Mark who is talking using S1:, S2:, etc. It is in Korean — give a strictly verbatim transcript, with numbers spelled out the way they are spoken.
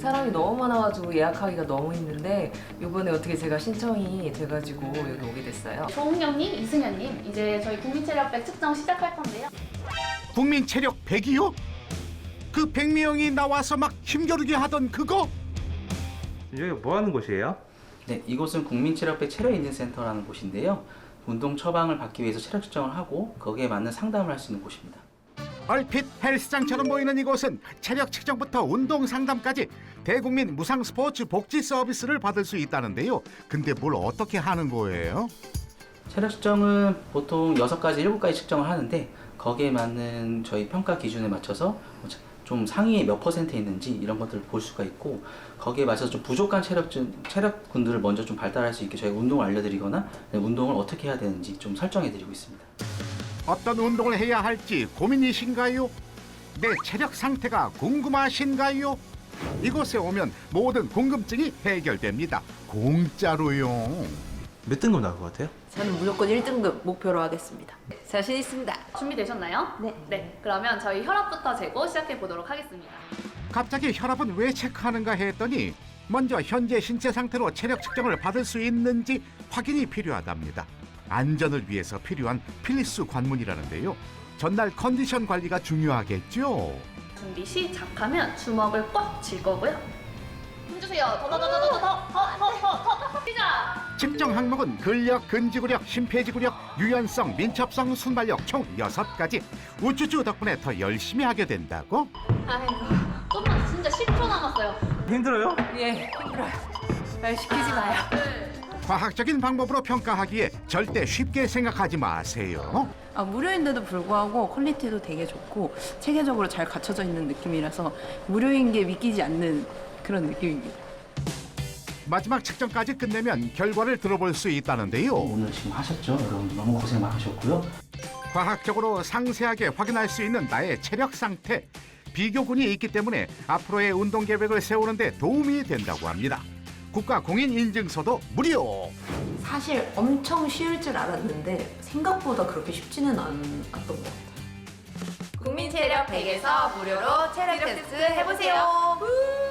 S1: 사람이 너무 많아가지고 예약하기가 너무 힘든데 이번에 어떻게 제가 신청이 돼가지고 여기 오게 됐어요.
S2: 조은경님, 이승현님, 이제 저희 국민체력백 측정 시작할 건데요.
S3: 국민 체력 백이요? 그 백명이 나와서 막 힘겨루게 하던 그거?
S4: 여기가 뭐 하는 곳이에요?
S5: 네, 이곳은 국민체력백 체력인증센터라는 곳인데요. 운동 처방을 받기 위해서 체력 측정을 하고 거기에 맞는 상담을 할 수 있는 곳입니다.
S3: 얼핏 헬스장처럼 보이는 이곳은 체력 측정부터 운동 상담까지 대국민 무상 스포츠 복지 서비스를 받을 수 있다는데요. 근데 뭘 어떻게 하는 거예요?
S5: 체력 측정은 보통 여섯 가지, 일곱 가지 측정을 하는데 거기에 맞는 저희 평가 기준에 맞춰서 좀 상위에 몇 퍼센트 있는지 이런 것들을 볼 수가 있고 거기에 맞춰서 좀 부족한 체력증, 체력군들을 먼저 좀 발달할 수 있게 저희가 운동을 알려드리거나 운동을 어떻게 해야 되는지 좀 설정해드리고 있습니다.
S3: 어떤 운동을 해야 할지 고민이신가요? 내 체력 상태가 궁금하신가요? 이곳에 오면 모든 궁금증이 해결됩니다. 공짜로요.
S4: 몇 등급 나올 것 같아요?
S6: 저는 무조건 일 등급 목표로 하겠습니다. 자신 있습니다.
S2: 준비되셨나요?
S6: 네.
S2: 네, 그러면 저희 혈압부터 재고 시작해 보도록 하겠습니다.
S3: 갑자기 혈압은 왜 체크하는가 했더니 먼저 현재 신체 상태로 체력 측정을 받을 수 있는지 확인이 필요하답니다. 안전을 위해서 필요한 필수 관문이라는데요. 전날 컨디션 관리가 중요하겠죠.
S2: 준비 시작하면 주먹을 꽉 쥘 거고요. 힘주세요. 더 더 더 더 더 더 더 더 더 시작!
S3: 측정 항목은 근력, 근지구력, 심폐지구력, 유연성, 민첩성, 순발력 총 여섯 가지. 우쭈쭈 덕분에 더 열심히 하게 된다고?
S2: 아이고, 좀만 진짜 십 초 남았어요.
S4: 힘들어요?
S1: 예, 힘들어요. 말 시키지 마요.
S3: 과학적인 방법으로 평가하기에 절대 쉽게 생각하지 마세요.
S6: 아, 무료인데도 불구하고 퀄리티도 되게 좋고 체계적으로 잘 갖춰져 있는 느낌이라서 무료인 게 믿기지 않는 그런 느낌입니다.
S3: 마지막 측정까지 끝내면 결과를 들어볼 수 있다는데요.
S5: 오늘 지금 하셨죠? 여러분 너무 고생 많으셨고요.
S3: 과학적으로 상세하게 확인할 수 있는 나의 체력 상태, 비교군이 있기 때문에 앞으로의 운동 계획을 세우는 데 도움이 된다고 합니다. 국가 공인 인증서도 무료!
S6: 사실 엄청 쉬울 줄 알았는데 생각보다 그렇게 쉽지는 않았던 것 같아요.
S7: 국민체력 백에서 무료로 체력 테스트 해보세요.